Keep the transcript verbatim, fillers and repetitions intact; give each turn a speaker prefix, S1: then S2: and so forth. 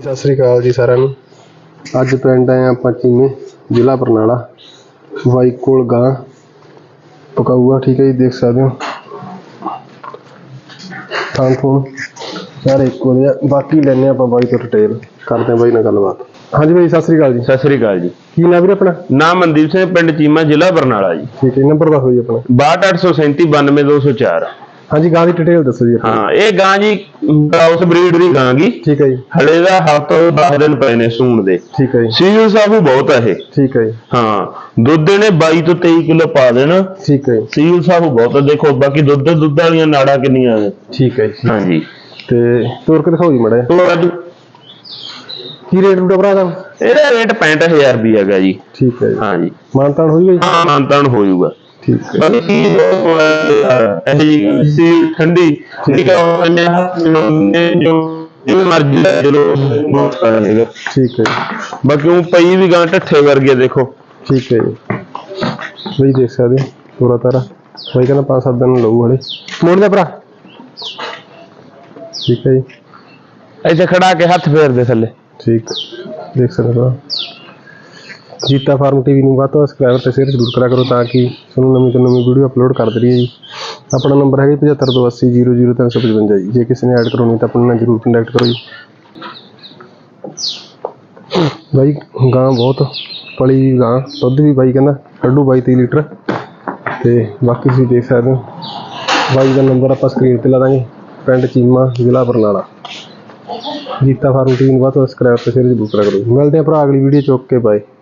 S1: सत श्री अकाल जी सारिਆਂ ਨੂੰ। ਅੱਜ ਪਿੰਡ ਆਏ ਆਪਾਂ ਚੀਮੇ, ਜ਼ਿਲ੍ਹਾ ਬਰਨਾਲਾ। ਬਾਈ ਕੋਲ ਗਾਂ ਪਕਾਊਆ, ਠੀਕ है जी, देख सकते हो थान थून सारे एक हो। बाकी लेने ਆਪਾਂ ਬਾਈ ਤੋਂ डिटेल करते हैं बाई नाल गलबात। हाँ जी बाई सत श्री अकाल जी।
S2: सत श्री अकाल जी।
S1: की नाम वीर अपना?
S2: नाम मनदीप सिंह, पिंड चीमा, जिला बरनाला जी।
S1: ठीक है, नंबर दसो जी अपना।
S2: बाहठ अठ सौ सैंती बानवे दो सौ चार।
S1: हाँ जी, गां की डिटेल दसो जी।
S2: हाँ, ये गां जी क्रॉस ब्रीड दी गां गी। ठीक है जी। हले दा हफ्ता दस दिन पए ने सूण दे। ठीक है जी। सील साबू बहुत है। ठीक है जी। हाँ, दुध ने बाईस तो तेईस किलो पा देना। ठीक है। सील साबू बहुत है, देखो बाकी दुध दुध वाली नाड़ा कितनियां ने। ठीक है जी। हाँ जी। ते तोड़ के दिखाओ जी माड़ा जिहा। की रेट रूट भरा दा? ਇਹਦਾ ਰੇਟ पैंठ हज़ार रुपया ਹੈਗਾ ਜੀ। ठीक है। हाँ जी। मानतान हो जाएगा? हाँ, मानतान हो जाएगा। ठीक है। बाकी ऐसी ठंडी ठीक है जो जो मर्जी चलो बहुत रहेगा। ठीक है। बाकी वो पई भी गां ढट्ठे वर्गे देखो। ठीक है जी। वही देख सकते हो पूरा तारा। वही कहना पांच सात दिन लऊ हले मोड़ दे भरा। ठीक है जी। ऐसे खड़ा के हाथ फेर दे थले। ठीक, देख सकते हो। जीता फार्म टीवी ਨੂੰ ਵੱਧ ਤੋਂ ਸਬਸਕ੍ਰਾਈਬ ਤੇ ਸ਼ੇਅਰ ਜ਼ਰੂਰ ਕਰਿਆ ਕਰੋ ਤਾਂ ਕਿ ਤੁਹਾਨੂੰ ਨਵੀਂ ਤੋਂ ਨਵੀਂ ਵੀਡੀਓ ਅਪਲੋਡ ਕਰਦੇ ਰਹੀਏ ਜੀ। ਆਪਣਾ ਨੰਬਰ ਹੈ ਪਝੱਤਰ ਦੋ ਅੱਸੀ ਜ਼ੀਰੋ ਜ਼ੀਰੋ ਤਿੰਨ ਸੌ ਪਚਵੰਜਾ ਜੀ। ਜੇ ਕਿਸੇ ਨੇ ਐਡ ਕਰਾਉਣੀ ਤਾਂ ਆਪਣੇ ਨਾਲ ਜ਼ਰੂਰ ਕੰਟੈਕਟ ਕਰੋ ਜੀ। ਬਾਈ ਗਾਂ ਬਹੁਤ ਪਲੀ ਗਾਂ, ਦੁੱਧ ਵੀ ਬਾਈ ਕਹਿੰਦਾ ਕੱਢੂ ਬਾਈ ਤੀਹ ਲੀਟਰ। ਤੇ ਬਾਕੀ ਤੁਸੀਂ ਦੇਖ ਸਕਦੇ ਹੋ ਬਾਈ ਦਾ ਨੰਬਰ ਆਪਾਂ ਸਕਰੀਨ ਤੇ ਲਾ ਦਾਂਗੇ। ਪਿੰਡ ਚੀਮਾ, ਜ਼ਿਲ੍ਹਾ ਬਰਨਾਲਾ। जीता फार्म टीवी ਨੂੰ ਵੱਧ ਤੋਂ ਸਬਸਕ੍ਰਾਈਬ ਤੇ ਸ਼ੇਅਰ ਜ਼ਰੂਰ ਕਰਿਆ ਕਰੋ। ਮਿਲਦੇ ਆ ਭਰਾ ਅਗਲੀ ਵੀਡੀਓ ਚੁੱਕ ਕੇ। ਬਾਏ।